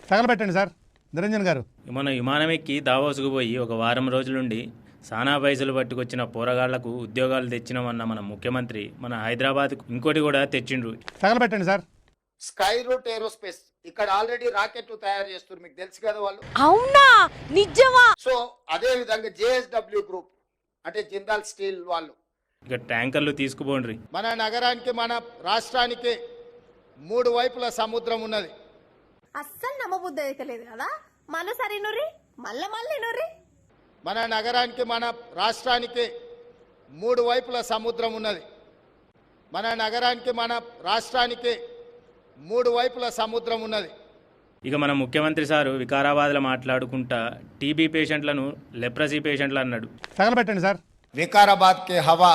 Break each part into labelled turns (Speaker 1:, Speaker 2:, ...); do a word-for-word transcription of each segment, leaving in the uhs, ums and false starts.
Speaker 1: తగలబెట్టండి sir Niranjan గారు.
Speaker 2: మన విమానం ఎక్కి దావోసుకు పోయి ఒక వారం రోజులుండి సానా పైసలు పట్టుకొచ్చిన పోరగాళ్లకు ఉద్యోగాలు తెచ్చినామన్న మన ముఖ్యమంత్రి మన హైదరాబాద్ ఇంకోటి కూడా తెచ్చిండ్రు.
Speaker 1: తగలబెట్టండి సార్.
Speaker 3: స్కై రూట్ ఏరోస్పేస్ ఇక్కడ ఆల్రెడీ రాకెట్ తయారు చేస్తున్నారు, మీకు తెలుసు కదా వాళ్ళు.
Speaker 4: అవునా నిజమా?
Speaker 3: సో అదే విధంగా జేఎస్డబ్ల్యూ గ్రూప్ అంటే జిందాల్ స్టీల్ వాళ్ళు
Speaker 2: ఇక ట్యాంకర్లు తీసుకుపోండ్రి.
Speaker 3: మన నగరానికి మన రాష్ట్రానికి మూడు వైపుల సముద్రం ఉన్నది.
Speaker 4: అస్సలు నమ్మబుద్ధి అయితే లేదు కదా. మళ్ళీ సరే నూరి మళ్ళా మళ్ళీ నూరి
Speaker 3: మన నగరానికి మన రాష్ట్రానికి మూడు వైపుల సముద్రం ఉన్నది. మన నగరానికి మన రాష్ట్రానికి మూడు వైపుల సముద్రం ఉన్నది.
Speaker 2: ఇక మన ముఖ్యమంత్రి సారు వికారాబాద్లో మాట్లాడుకుంటా టీబీ పేషెంట్లను లెప్రసీ పేషెంట్లు అన్నాడు.
Speaker 1: తగలబెట్టండి సార్.
Speaker 3: వికారాబాద్ కే హవా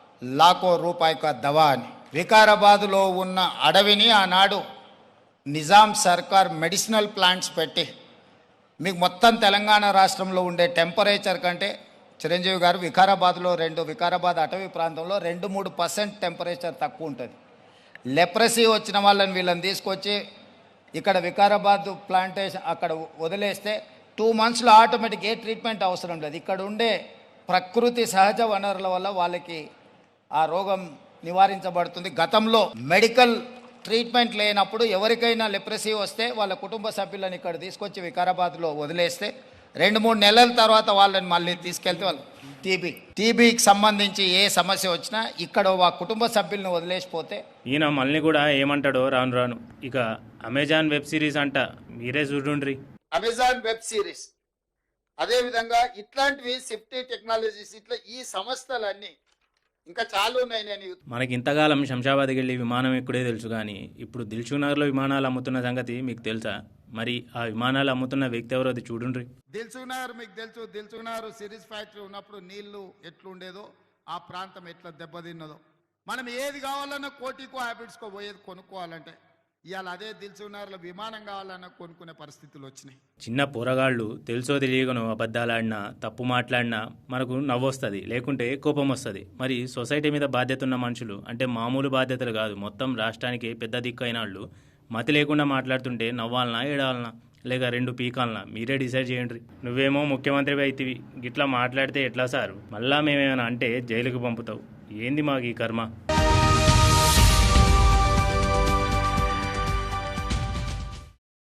Speaker 3: లాఖో రూపాయి కా దవా అని. వికారాబాద్లో ఉన్న అడవిని ఆనాడు నిజాం సర్కార్ మెడిసినల్ ప్లాంట్స్ పెట్టి మీకు మొత్తం తెలంగాణ రాష్ట్రంలో ఉండే టెంపరేచర్ కంటే చిరంజీవి గారు వికారాబాద్లో రెండు వికారాబాద్ అటవీ ప్రాంతంలో రెండు మూడు పర్సెంట్ టెంపరేచర్ తక్కువ ఉంటుంది. లెప్రసీ వచ్చిన వాళ్ళని వీళ్ళని తీసుకొచ్చి ఇక్కడ వికారాబాద్ ప్లాంటేషన్ అక్కడ వదిలేస్తే టూ మంత్స్లో ఆటోమేటిక్ ఏ ట్రీట్మెంట్ అవసరం లేదు. ఇక్కడ ఉండే ప్రకృతి సహజ వనరుల వల్ల వాళ్ళకి ఆ రోగం నివారించబడుతుంది. గతంలో మెడికల్ ట్రీట్మెంట్ లేనప్పుడు ఎవరికైనా లెప్రసీ వస్తే వాళ్ళ కుటుంబ సభ్యులను ఇక్కడ తీసుకొచ్చి వికారాబాద్లో వదిలేస్తే రెండు మూడు నెలల తర్వాత వాళ్ళని మళ్ళీ తీసుకెళ్తే వాళ్ళు టీబీ టీబీకి సంబంధించి ఏ సమస్య వచ్చినా ఇక్కడ ఆ కుటుంబ సభ్యులను వదిలేసిపోతే
Speaker 2: ఈయన మళ్ళీ కూడా ఏమంటాడో రాను రాను. ఇక అమెజాన్ వెబ్ సిరీస్ అంట మీరే చూడుండ్రి.
Speaker 3: అమెజాన్ వెబ్ సిరీస్ అదేవిధంగా ఇట్లాంటివి సేఫ్టీ టెక్నాలజీస్ ఇట్లా ఈ సంస్థలన్నీ ఇంకా చాలా ఉన్నాయి. నేను
Speaker 2: మనకి ఇంతకాలం శంషాబాద్కి వెళ్ళి విమానం ఎక్కుడే తెలుసు, కానీ ఇప్పుడు దిల్సుఖ్నగర్లో విమానాలు అమ్ముతున్న సంగతి మీకు తెలుసా? మరి ఆ విమానాలు అమ్ముతున్న వ్యక్తి ఎవరో అది చూడుండ్రి.
Speaker 3: దిల్సుఖ్నగర్ మీకు తెలుసు, దిల్సుఖ్నగర్ సిరీస్ ఫ్యాక్టరీ ఉన్నప్పుడు నీళ్లు ఎట్లుండేదో, ఆ ప్రాంతం ఎట్లా దెబ్బతిన్నదో. మనం ఏది కావాలన్నా కోటికో హ్యాబిట్స్కో పోయేది కొనుక్కోవాలంటే ఇవాళ అదే దిల్సుఖ్నగర్లో విమానం కావాలన్నా కొనుక్కునే పరిస్థితులు వచ్చినాయి.
Speaker 2: చిన్న పోరగాళ్ళు తెలుసో తెలియకను అబద్ధాలాడినా తప్పు మాట్లాడినా మనకు నవ్వొస్తుంది, లేకుంటే కోపం వస్తుంది. మరి సొసైటీ మీద బాధ్యత ఉన్న మనుషులు అంటే మామూలు బాధ్యతలు కాదు, మొత్తం రాష్ట్రానికి పెద్ద దిక్కు అయిన వాళ్ళు మతి లేకుండా మాట్లాడుతుంటే నవ్వాలనా ఏడాలనా లేక రెండు పీకాలనా మీరే డిసైడ్ చేయండి. నువ్వేమో ముఖ్యమంత్రి అయితివి, గిట్లా మాట్లాడితే ఎట్లా సారు? మళ్ళా మేమేమైనా అంటే జైలుకు పంపుతావు. ఏంది మాకు ఈ కర్మ?